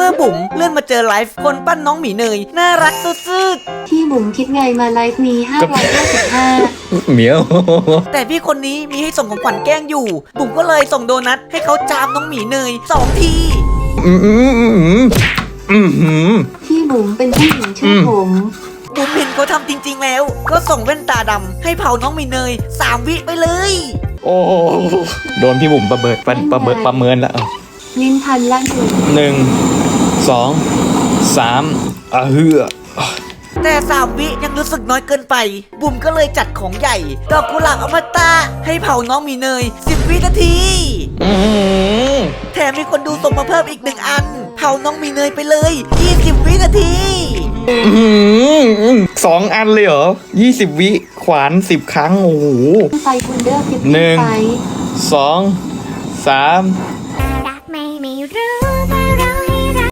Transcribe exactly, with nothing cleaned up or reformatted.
มื่อบุ๋มเลื่อนมาเจอไลฟ์คนปั้นน้องหมีเนยน่ารักสุดๆที่บุ๋มคิดไงมาไลฟ์นี้ห้าร้อยห้าสิบห้าเหมียวแต่พี่คนนี้มีให้ส่งของขวัญแกล้งอยู่บุ๋มก็เลยส่งโดนัทให้เขาจามน้องหมีเนยสองทีอืมอืมอืมอืมอืมที่บุ๋มเป็นผู้หญิงชื่อผมบุ๋มเห็นเขาทำจริงๆแล้วก็ส่งแว่นตาดำให้เผาน้องหมีเนยสามวิไปเลยโอ้โดนพี่บุ๋มประเบิดประประเบิดประเมินแล้วลิ้นพันล่างสุดหนึ่งสองสามอ่ะเฮือแต่สามวิยังรู้สึกน้อยเกินไปบุ๋มก็เลยจัดของใหญ่ดอกกุหลาบอมตะให้เผาน้องหมีเนยสิบวินาทีแถมมีคนดูส่งมาเพิ่มอีกหนึ่งอันเผาน้องหมีเนยไปเลยยี่สิบวินาทีสองอันเลยเหรอยี่สิบวิขวานสิบครั้งโอ้โหไฟคุณเดอร์หนึ่งสองสาม